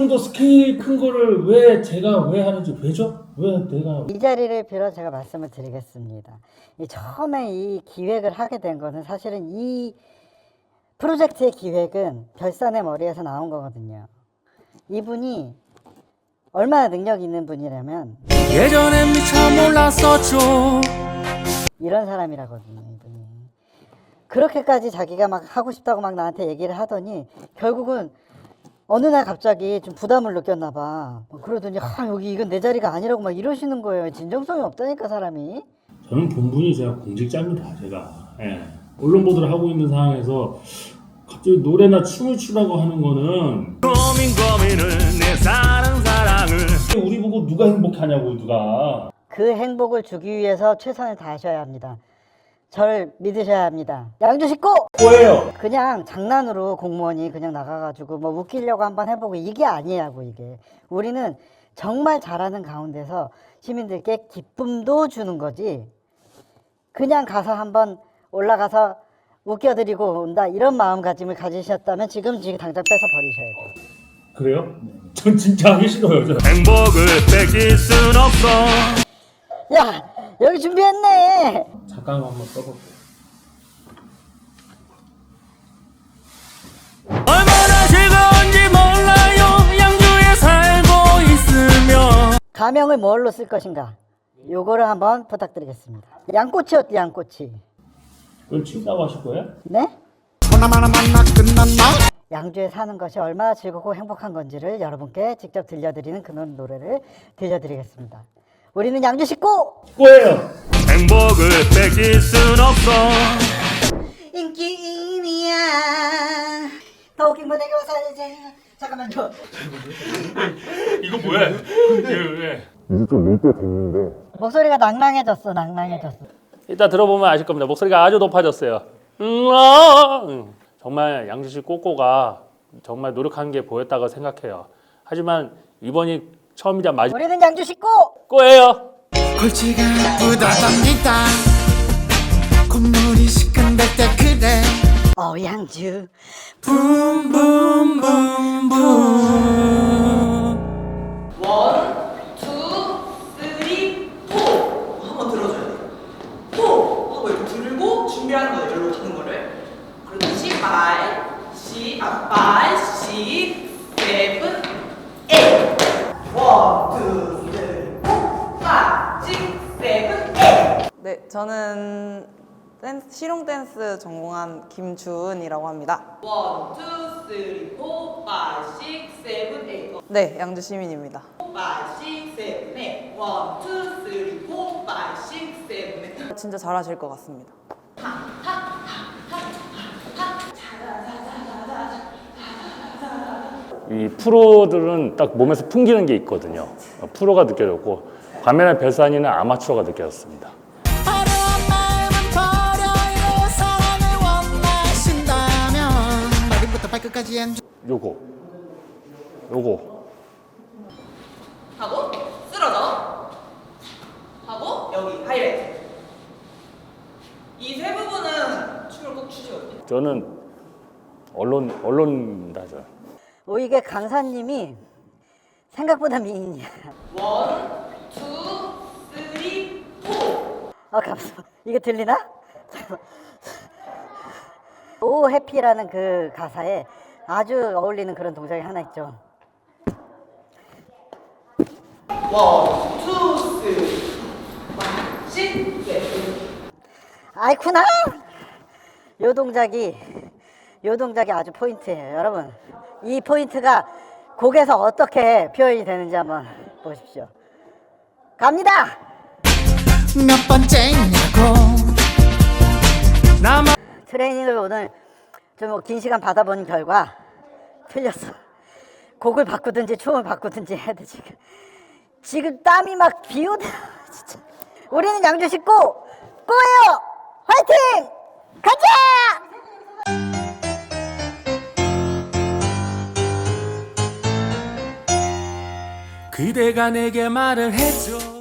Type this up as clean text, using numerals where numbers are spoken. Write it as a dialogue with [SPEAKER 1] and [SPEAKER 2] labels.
[SPEAKER 1] 정도 스케일 큰 거를 왜 제가 왜 하는지 왜죠? 왜 내가
[SPEAKER 2] 이 자리를 빌어 제가 말씀을 드리겠습니다. 처음에 이 기획을 하게 된 거는 사실은 이 프로젝트의 기획은 별산의 머리에서 나온 거거든요. 이분이 얼마나 능력 있는 분이라면
[SPEAKER 3] 예전엔 미처 몰랐었죠.
[SPEAKER 2] 이런 사람이라거든요. 이분이 그렇게까지 자기가 막 하고 싶다고 막 나한테 얘기를 하더니 결국은 어느 날 갑자기 좀 부담을 느꼈나 봐. 그러더니 여기 이건 내 자리가 아니라고 막 이러시는 거예요. 진정성이 없다니까 사람이.
[SPEAKER 1] 저는 본분이 제가 공직자입니다. 제가 언론 보도를 하고 있는 상황에서 갑자기 노래나 춤을 추라고 하는 거는
[SPEAKER 3] 고민을 내 사는 사랑을
[SPEAKER 1] 우리 보고 누가 행복하냐고 누가.
[SPEAKER 2] 그 행복을 주기 위해서 최선을 다하셔야 합니다. 저를 믿으셔야 합니다. 양주 식구!
[SPEAKER 1] 뭐예요?
[SPEAKER 2] 그냥 장난으로 공무원이 그냥 나가가지고 뭐 웃기려고 한번 해보고 이게 아니라고 이게. 우리는 정말 잘하는 가운데서 시민들께 기쁨도 주는 거지. 그냥 가서 한번 올라가서 웃겨드리고 온다 이런 마음가짐을 가지셨다면 지금 당장 뺏어 버리셔야 돼요.
[SPEAKER 1] 그래요? 전 진짜 하기 싫어요.
[SPEAKER 3] 행복을 뺏길 순 없어.
[SPEAKER 2] 야 여기 준비했네.
[SPEAKER 1] 잠깐 한번 써볼게요.
[SPEAKER 3] 얼마나 즐거운지 몰라요. 양주에 살고 있으면.
[SPEAKER 2] 가명을 뭘로 쓸 것인가? 요거를 한번 부탁드리겠습니다. 양꼬치 어때 양꼬치?
[SPEAKER 1] 그걸 친다고 하실 거예요?
[SPEAKER 2] 네?
[SPEAKER 3] 하나만 만나 끝났나?
[SPEAKER 2] 양주에 사는 것이 얼마나 즐겁고 행복한 건지를 여러분께 직접 들려드리는 그런 노래를 들려드리겠습니다. 우리는 양주 식구!
[SPEAKER 1] 뭐예요?
[SPEAKER 3] 행복을 뺏길 순 없어.
[SPEAKER 2] 인기인이야 더 웃긴 거 내게 와서 잠깐만요.
[SPEAKER 1] 이거 뭐야? 왜?
[SPEAKER 4] 이제 좀 늘 때 됐는데
[SPEAKER 2] 목소리가 낭낭해졌어.
[SPEAKER 5] 이따 들어보면 아실 겁니다. 목소리가 아주 높아졌어요. 정말 양주시 꼬꼬가 정말 노력한 게 보였다고 생각해요. 하지만 이번이 처음이자
[SPEAKER 2] 우리는 양주 식구!
[SPEAKER 5] 마지막이에요.
[SPEAKER 3] 골치가 아프다답니다. 콧물이 시큰댈 때 그래.
[SPEAKER 2] 양주
[SPEAKER 3] 붐붐붐붐.
[SPEAKER 6] 원, 투, 쓰리, 포. 한번 들어줘야 돼. 포 하고 이렇게 들고 준비하는 거예요. 이리로 가는 거를. 그렇지. 5, 6, 7, 8. 원, 투, 쓰리, 포. 5, 6, 7, 8.
[SPEAKER 7] 네, 저는 실용 댄스 전공한 김주은이라고 합니다.
[SPEAKER 6] 원, 투, 쓰리, 포, 5, 6, 7, 8.
[SPEAKER 7] 네, 양주 시민입니다.
[SPEAKER 6] 5, 6, 7, 8. 원, 투, 쓰리, 포, 5, 6, 7, 8.
[SPEAKER 7] 진짜 잘하실 것 같습니다.
[SPEAKER 5] 이 프로들은 딱 몸에서 풍기는 게 있거든요. 프로가 느껴졌고 반면에 별산이는 아마추어가 느껴졌습니다.
[SPEAKER 3] 어려운 마음은 버려요. 사랑을 원하신다면 머리부터 발끝까지
[SPEAKER 5] 요거
[SPEAKER 6] 하고 쓰러져. 하고 여기 하이라이트. 이 세 부분은 춤을 꼭 추시거든요.
[SPEAKER 5] 저는 언론다죠.
[SPEAKER 2] 이게 강사님이 생각보다 미인이야.
[SPEAKER 6] 원, 투, 쓰리, 포.
[SPEAKER 2] 감사. 이게 들리나? 오 해피라는 그 가사에 아주 어울리는 그런 동작이 하나 있죠.
[SPEAKER 6] 원, 투, 쓰리, 5, 6, 7.
[SPEAKER 2] 아이쿠나! 요 동작이 아주 포인트예요. 여러분 이 포인트가 곡에서 어떻게 표현이 되는지 한번 보십시오. 갑니다!
[SPEAKER 3] 몇 번째냐고.
[SPEAKER 2] 트레이닝을 오늘 좀 긴 시간 받아본 결과 틀렸어. 곡을 바꾸든지 춤을 바꾸든지 해야 돼. 지금 땀이 막 비오더라 진짜. 우리는 양주 식구 꼬예요. 화이팅! 가자!
[SPEAKER 3] 그대가 내게 말을 해줘.